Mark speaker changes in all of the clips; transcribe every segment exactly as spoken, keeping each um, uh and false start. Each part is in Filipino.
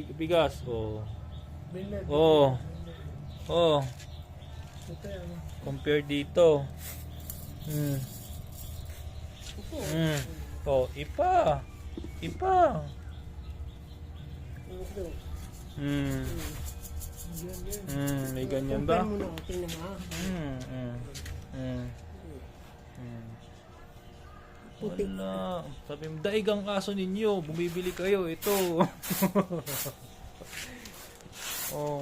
Speaker 1: big, bigas. Oh.
Speaker 2: Bilad.
Speaker 1: Oh. Oh.
Speaker 2: Ito yan.
Speaker 1: Compare dito. Hmm.
Speaker 2: Ito.
Speaker 1: Hmm. Oh, ipa. Ipa.
Speaker 2: Ito.
Speaker 1: Hmm.
Speaker 2: Yan, yan.
Speaker 1: Hmm, may ganyan ba?
Speaker 2: Compare mo na. Tingnan mo ha.
Speaker 1: Hmm. Hmm. Hmm. Hmm.
Speaker 2: Putik.
Speaker 1: Wala. Sabi mo, daig ang aso ninyo. Bumibili kayo. Ito. Oh.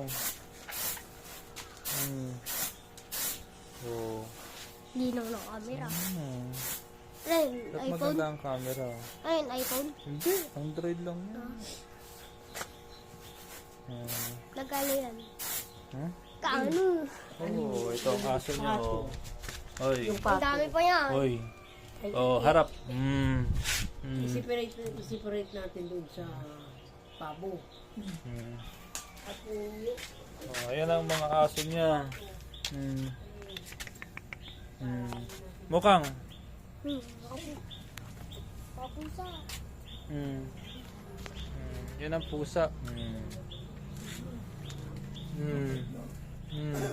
Speaker 1: Hmm. Oh.
Speaker 3: Linaw ng camera.
Speaker 1: Hmm.
Speaker 3: Ayun,
Speaker 1: Ba't
Speaker 3: iPhone.
Speaker 1: maganda ang camera?
Speaker 3: Ayun, iPhone.
Speaker 1: Hindi. Android lang yan. Hmm.
Speaker 3: Nagkano yan?
Speaker 1: Hmm?
Speaker 3: Kaano?
Speaker 1: Oh, ito ang aso niya. Oh. Oy.
Speaker 2: Yung
Speaker 3: Ang dami pa yan.
Speaker 1: Oy. Oh, harap. Hmm. Hmm.
Speaker 2: I-separate, i-separate natin doon sa pabo.
Speaker 1: Hmm.
Speaker 2: At yung
Speaker 1: Oh, ayan ang mga aso niya. Hmm. Hmm. Mukhang.
Speaker 3: Hmm. Papu- Papusa.
Speaker 1: Hmm. Hmm. Yan ang pusa. Hmm. Hmm. Hmm.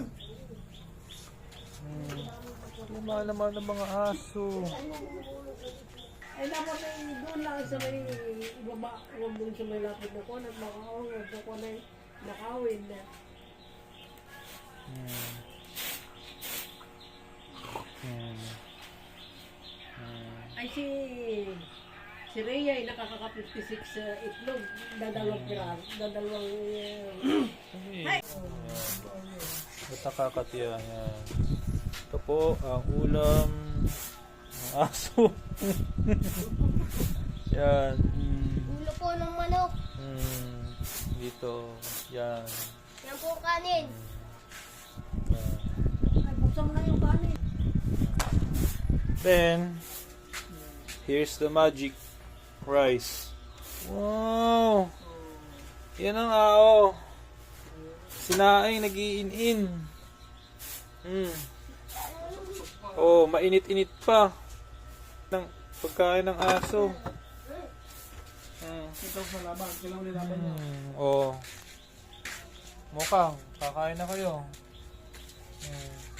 Speaker 1: Hmm. Lama naman ng mga aso.
Speaker 2: ay dapat ay doon lang sa may ibaba, huwag doon sa may lapit na ko, nagmakawin, huwag na ko na nakawin na.
Speaker 1: Hmm. Hmm. Hmm.
Speaker 2: Ay si si Rhea ay nakakaka fifty-six sa itlog, dadalawang piraso, dadalawang uh,
Speaker 1: Ay. Ito kakatiya. Yan. Ito po ang ulam ng aso. Yan. Mm.
Speaker 3: Ulo po ng manok.
Speaker 1: Mm. Dito. Yan.
Speaker 3: Yan po kanin.
Speaker 1: Yan.
Speaker 2: ay buksan mo na yung kanin.
Speaker 1: Then, here's the magic rice. Wow! Yan ang ao. Sinaing nag-iin-in. Mm. Oh, mainit-init pa. Ng pagkain ng aso. Mm.
Speaker 2: Ito sa laban, kailangan nilaban niya.
Speaker 1: Mm. Oh. Mukhang, kakain na kayo. Mm.